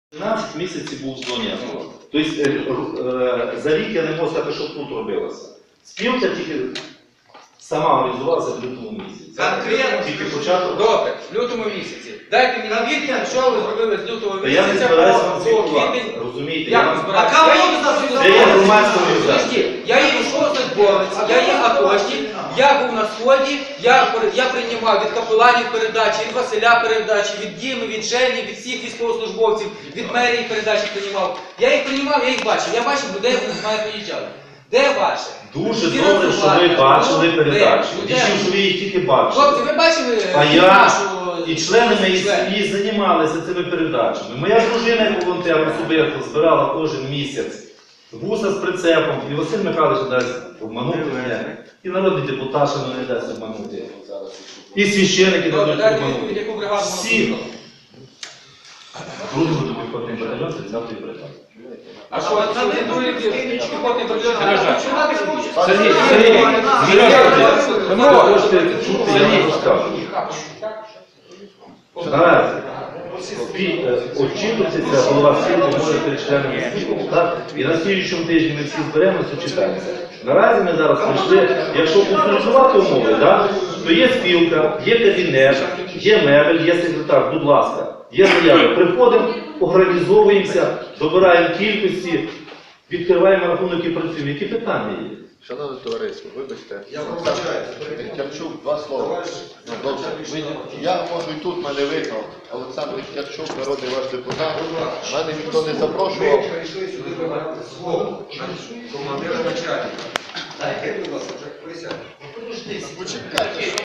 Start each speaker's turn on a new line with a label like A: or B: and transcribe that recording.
A: 12 місяців був в зоні АТО. Тобто за рік я не можу сказати, що тут робилося. Спілка тільки сама організувалася в лютому місяці.
B: Конкретно?
A: Тільки початок.
B: Добре, в лютому місяці. Дайте мені відповідь, що ви зробили з лютого
A: Та я не
B: місяця
A: збираюся
B: по
A: вам звітувати,
B: квітень.
A: розумієте?
B: Як
A: Я
B: ви
A: вам-
B: збираєтесь?
C: А кого
B: Я
C: ви
B: є-
C: зараз
A: Це є громадська організація.
B: Подожди, я є військовослужбовець, я є атошник, я був на сході, я приймав від капеланів передачі, від Василя передачі, від Діми, від Жені, від всіх військовослужбовців, від мерії передачі приймав. Я їх приймав, я їх бачив. Я бачив людей, вони з мене приїжджали. Де ваше?
A: Дуже
B: Всі
A: добре, що ви
B: розсувати.
A: бачили
B: Ну,
A: передачу.
B: де?
A: Дійсно, що ви їх тільки бачили.
B: Хлопці, ви бачили
A: А я
B: нашу...
A: і члени мої
B: членів?
A: сім'ї займалися цими передачами. Моя дружина, як волонтер, особисто збирала кожен місяць вуса з прицепом, і Василь Михайлович дасть обманути мене. І народний депутат, що не дасть обманути. І священники
B: Добре,
A: дадуть
B: дайте відповідь,
A: обманути.
B: яку бригаду можна
A: Всі.
B: слухати.
A: Другий буде піхотний батальйон, 30-ї бригади.
B: А що, це не другий піхотний батальйон?
A: Сергій, ви можете чути, я не розкажу. Наразі очікується голова спілки може перед членами спілки, так? І на слідчому тижні ми всі зберемося, читаємося. Наразі ми зараз прийшли, якщо утилізувати умови, так, то є спілка, є кабінет, є мебель, є секретар, будь ласка, є заяви. Приходимо, організовуємося, добираємо кількості, відкриваємо рахунок і працюємо. Які питання є?
D: Шановне товариство, вибачте.
C: Я вибачаю.
D: Кярчук, два слова. Ну, добре. Я можу і тут, мене видно. Олександр Кярчук, народний ваш депутат. Мене ніхто не запрошував.
C: Ви прийшли сюди вибрати свого командира начальника. Дайте, будь ласка, присядьте.
D: Почекайте.